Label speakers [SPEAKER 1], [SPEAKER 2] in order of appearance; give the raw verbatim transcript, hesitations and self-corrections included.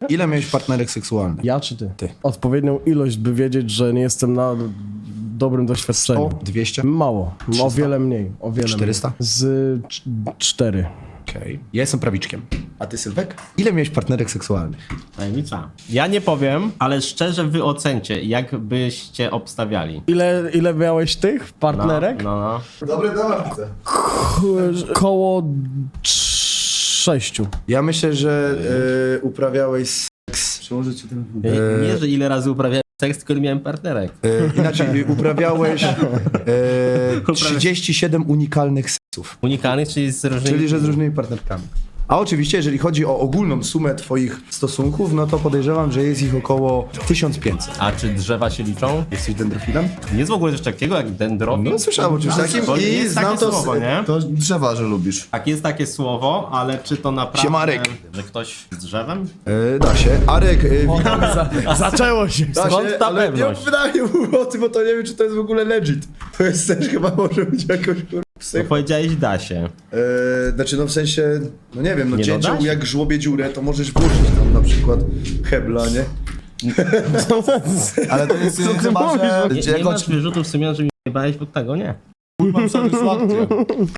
[SPEAKER 1] Ile miałeś partnerek seksualnych?
[SPEAKER 2] Ja czy ty?
[SPEAKER 1] Ty.
[SPEAKER 2] Odpowiednią ilość, by wiedzieć, że nie jestem na dobrym doświadczeniu.
[SPEAKER 1] O, dwieście?
[SPEAKER 2] Mało.
[SPEAKER 1] trzysta?
[SPEAKER 2] O wiele mniej. O wiele
[SPEAKER 1] czterysta?
[SPEAKER 2] Mniej. Z cz- cztery.
[SPEAKER 1] Okej. Okay. Ja jestem prawiczkiem. A ty, Sylwek? Ile miałeś partnerek seksualnych?
[SPEAKER 3] Tajemnica. Ja nie powiem, ale szczerze wy ocencie, jak byście obstawiali.
[SPEAKER 2] Ile, ile miałeś tych
[SPEAKER 3] No,
[SPEAKER 2] partnerek?
[SPEAKER 3] no, no.
[SPEAKER 1] Dobre dawce.
[SPEAKER 2] Ko- Koło sześciu.
[SPEAKER 1] Ja myślę, że e, uprawiałeś seks...
[SPEAKER 4] Przełożę ci ten...
[SPEAKER 3] Nie, nie, że ile razy uprawiałem seks, tylko ile miałem partnerek.
[SPEAKER 1] E, inaczej, uprawiałeś e, trzydzieści siedem unikalnych seksów.
[SPEAKER 3] Unikalnych, czyli z różnymi...
[SPEAKER 1] Czyli, że z różnymi partnerkami. A oczywiście, jeżeli chodzi o ogólną sumę twoich stosunków, no to podejrzewam, że jest ich około tysiąc pięćset.
[SPEAKER 3] A czy drzewa się liczą?
[SPEAKER 1] Jesteś dendrofilem?
[SPEAKER 3] Jest w ogóle coś takiego jak dendrofil?
[SPEAKER 1] No słyszałem o czymś takim
[SPEAKER 3] Bo
[SPEAKER 1] i
[SPEAKER 3] jest
[SPEAKER 1] znam
[SPEAKER 3] takie
[SPEAKER 1] to...
[SPEAKER 3] słowo, nie?
[SPEAKER 4] To drzewa, że lubisz.
[SPEAKER 3] Tak, jest takie słowo, ale czy to naprawdę...
[SPEAKER 1] Siemarek.
[SPEAKER 3] Że ktoś z drzewem?
[SPEAKER 1] E, da się. Arek, e, witam.
[SPEAKER 2] Zaczęło się.
[SPEAKER 1] Da
[SPEAKER 3] Skąd
[SPEAKER 1] się,
[SPEAKER 3] ta
[SPEAKER 1] ale
[SPEAKER 3] pewność?
[SPEAKER 1] nie pytanie mówię o tym, bo to nie wiem, czy to jest w ogóle legit. To jest też chyba może być jakoś kurwa
[SPEAKER 3] No
[SPEAKER 1] psych.
[SPEAKER 3] powiedziałeś da się.
[SPEAKER 1] E, znaczy no w sensie, no nie wiem, no
[SPEAKER 3] Nie, no
[SPEAKER 1] cięcią
[SPEAKER 3] da się.
[SPEAKER 1] jak żłobie dziurę, to możesz włożyć tam na przykład hebla, nie?
[SPEAKER 4] Ale to jest
[SPEAKER 2] Co ty
[SPEAKER 4] chyba,
[SPEAKER 2] mówisz?
[SPEAKER 4] że...
[SPEAKER 3] Nie,
[SPEAKER 4] że
[SPEAKER 3] nie
[SPEAKER 4] jako
[SPEAKER 3] masz wyrzutu sumienia, że mi bałeś, bo tego nie.
[SPEAKER 4] mam satysfakcję.